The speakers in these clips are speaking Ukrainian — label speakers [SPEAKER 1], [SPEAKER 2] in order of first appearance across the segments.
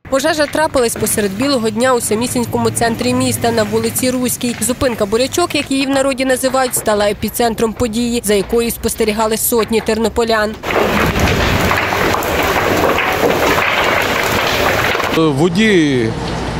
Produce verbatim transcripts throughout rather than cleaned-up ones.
[SPEAKER 1] Пожежа трапилась посеред білого дня у самісінькому центрі міста на вулиці Руській. Зупинка «Бурячок», як її в народі називають, стала епіцентром події, за якою спостерігали сотні тернополян.
[SPEAKER 2] Водій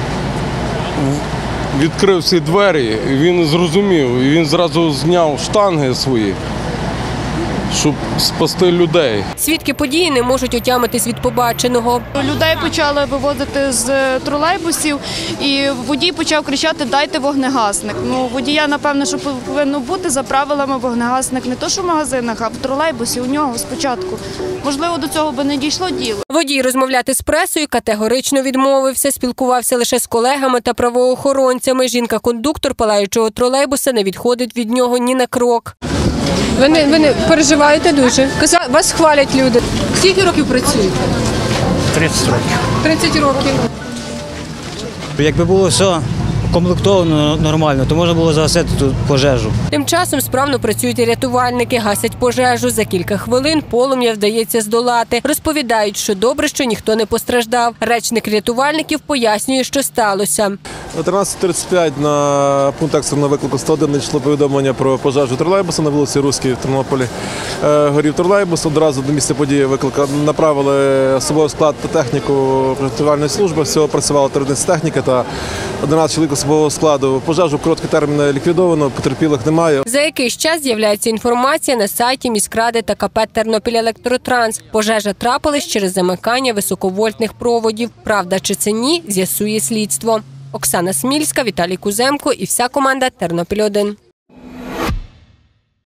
[SPEAKER 2] відкрив всі двері, він зрозумів, він зразу зняв штанги свої, щоб спасти людей.
[SPEAKER 1] Свідки події не можуть отямитись від побаченого.
[SPEAKER 3] Людей почали вивозити з тролейбусів, і водій почав кричати: «Дайте вогнегасник». Ну, водія, напевно, що повинно бути за правилами вогнегасник не то, що в магазинах, а в тролейбусі у нього спочатку. Можливо, до цього би не дійшло діло.
[SPEAKER 1] Водій розмовляти з пресою категорично відмовився, спілкувався лише з колегами та правоохоронцями. Жінка-кондуктор палаючого тролейбуса не відходить від нього ні на крок.
[SPEAKER 4] Ви не, ви не переживаєте дуже? Вас хвалять люди. Скільки років працюєте?
[SPEAKER 5] тридцять років.
[SPEAKER 4] тридцять років.
[SPEAKER 5] Якби було все комплектовано нормально, то можна було загасити тут пожежу.
[SPEAKER 1] Тим часом справно працюють і рятувальники, гасять пожежу. За кілька хвилин полум'я вдається здолати. Розповідають, що добре, що ніхто не постраждав. Речник рятувальників пояснює, що сталося.
[SPEAKER 6] О тринадцять тридцять п'ять на пункт екстреного виклику сто один надійшло повідомлення про пожежу тролейбуса на вулиці Руській в Тернополі. Горів тролейбус, одразу до місця події виклика направили особовий склад та техніку рятувальної служби. Всього працювала три одиниці техніки та одинадцять чоловік особового складу. Пожежу в короткий термін ліквідовано, потерпілих немає.
[SPEAKER 1] За якийсь час з'являється інформація на сайті міськради та ка пе «Тернопільелектротранс». Пожежа трапилась через замикання високовольтних проводів. Правда чи це ні, з'ясує слідство. Оксана Смільська, Віталій Куземко і вся команда «Тернопіль один».